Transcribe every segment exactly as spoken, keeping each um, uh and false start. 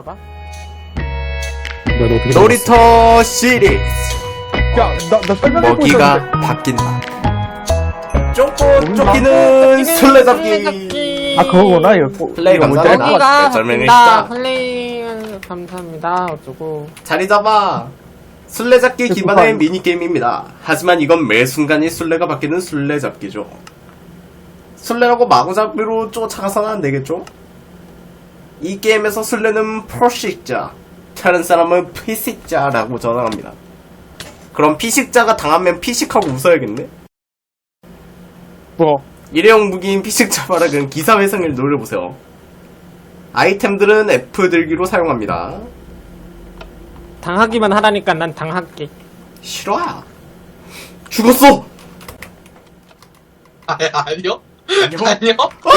봐. 놀이터 시리즈 야, 나, 나 설명해 먹이가 바뀐다. 쫓고 쫓기는 술래잡기. 아, 그거구나, 이거. 플레이 이거 뭔지 감사합니다. 알 것 같아. 네, 설명해 나 주시다. 플레이 감사합니다. 어쩌고. 자리 잡아. 술래잡기 기반의 미니게임입니다. 하지만 이건 매 순간이 술래가 바뀌는 술래잡기죠. 술래라고 마구잡이로 쫓아가서는 안 되겠죠? 이 게임에서 술래는 포식자, 다른 사람은 피식자라고 전화합니다. 그럼 피식자가 당하면 피식하고 웃어야겠네? 뭐? 일회용 무기인 피식자 바락은 기사회생을 노려보세요. 아이템들은 F 들기로 사용합니다. 당하기만 하라니까 난 당할게. 싫어야. 죽었어! 아, 아니요? 아니요? 아니요?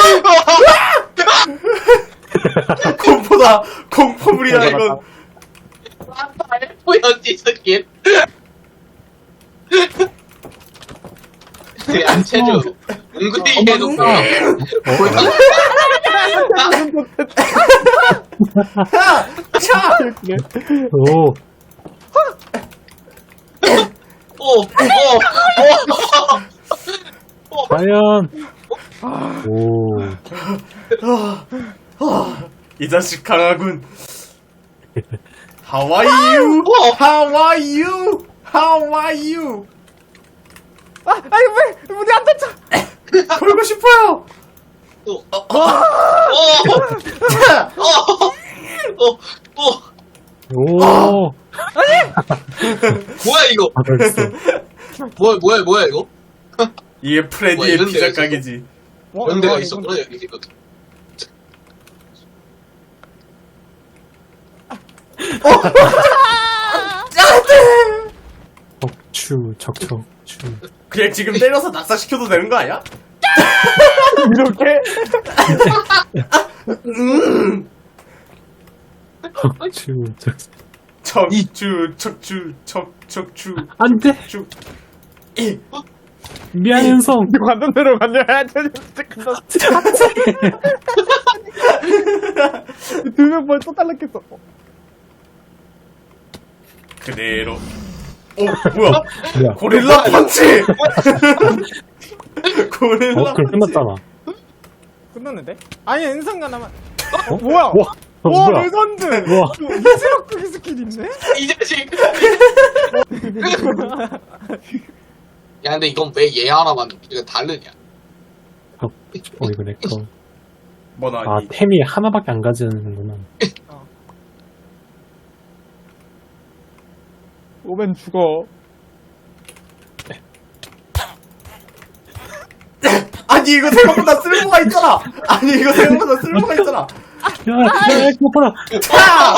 공포다! 공포물이야, 이건. 아빠 F였지, 스킨. 안채주. 은근히 계속 보여. 야! 차! 오, 오, 오, 오. 과연. 오, 이 자식 강하군. How are you? How are you? How are you? 아, 아니 왜 문이 안 닫혀? 걸고 싶어요! 오, 오, 오, 차! 오, 오. 오. 뭐야, 이거? 아, 벌써. 뭐야, 뭐야, 뭐야, 이거? 이게 뭐 프레디의 이런 피자 데가 가게지. 이런 데가 있었구나, 여기 지금. 척추, 척척, 추. 그냥 지금 때려서 낙사시켜도 되는 거 아니야? 이렇게? 척추, 척. 척추, 척추, 척, 척추, 안 돼! 척. 미안, 현성. 관전 대로 관전 해야지. 두명 벌써 탈락했어. 그대로. 오, 뭐야? 뭐야? 고릴라 펀치! 고릴라 어, 그럼 펀치. 끝났잖아. 끝났는데? 아니 은성가 나만. 어, 뭐야? 와, 어, 와, 뭐야? 레전드! 와, 이지럭 크기 스킬 있네? 이 자식. 야, 근데 이건 왜 얘 하나만 이거 다르냐? 어, 이거 내 거. 뭐나, 아, 이. 템이 하나밖에 안 가지는구나. 오면 죽어. 아니, 이거 생각보다 쓸모가 있잖아! 아니, 이거 생각보다 쓸모가 있잖아! 야, 야, 그거라. 차!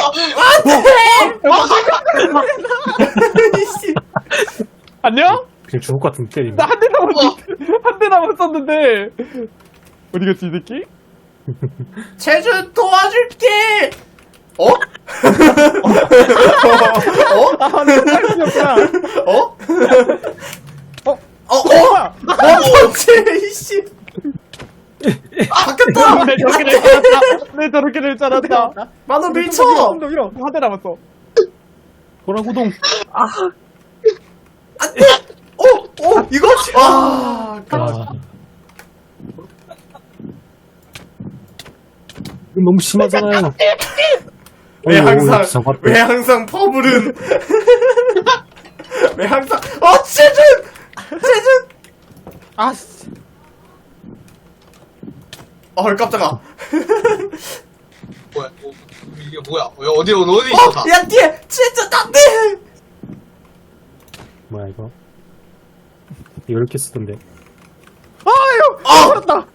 이씨. 안녕? 그냥 죽을 것 같은 때리네. 나 한 대 남았는데, 한 대 남았었는데. 어디 갔지, 이 새끼? 제주 도와줄게! 어? 어? 아, 내 딸이었구나. 어? 어? 어? 어? 뭐 펀치, 이씨! 바뀌었다! 내 저렇게 될 줄 알았다. 내 저렇게 될 줄 알았다. 만원 밀쳐! 좀더 밀어. 한 대 남았어. 보라구동. 어? 어? 이거? 아, 아. 이거 너무 심하잖아요. 왜 오, 오, 항상, 잡았다. 왜 항상 퍼블은. 왜 항상, 어, 체준! 체준! 아씨. 어, 깜짝아. 뭐야, 뭐, 이게 뭐야? 왜 어디, 어디 어, 있었다? 야, 뒤에! 체준, 안 돼! 뭐야, 이거? 이거 이렇게 쓰던데. 아유! 어! 살았다.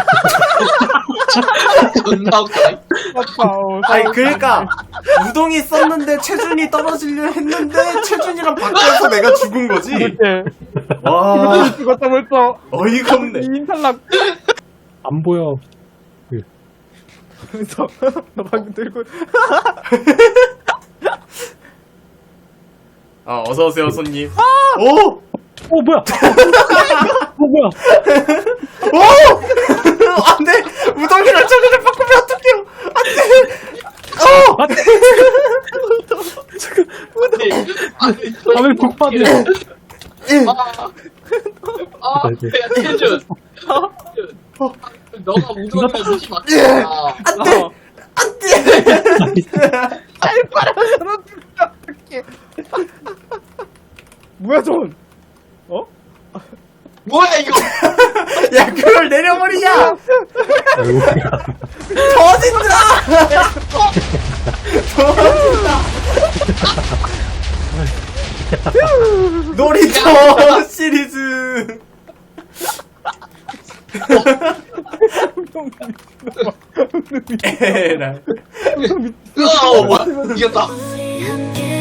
존나 웃기네. 맞다. 어, 아니, 살았다. 그러니까, 우동이 썼는데 체준이 떨어지려 했는데, 체준이랑 바뀌어서 내가 죽은 거지? 이렇게. 와, 죽었다 벌써. 어이가 없네. 이인 탈락. 안 보여. 그래서 너 방금 들고 아, 어서오세요, 손님. 오! 어, 뭐야? 어, 뭐야? 오! 안 돼! 우동이랑 체준을 바꾸면 어떡해요! 안 돼! 어! 아니, 아니, 하늘 폭발이야. 아, 아, 네, 야, 태준. 너가 우주를 무시 맞잖아. 안돼 잘 빨아서 어떡해. 뭐야 전? 어? 뭐야, 이거? 야, 그걸 내려버리냐! 아이고. 터진다! 터진다! 놀이터 시리즈! 에라이. 어, 뭐야, 이겼다. 우리 함께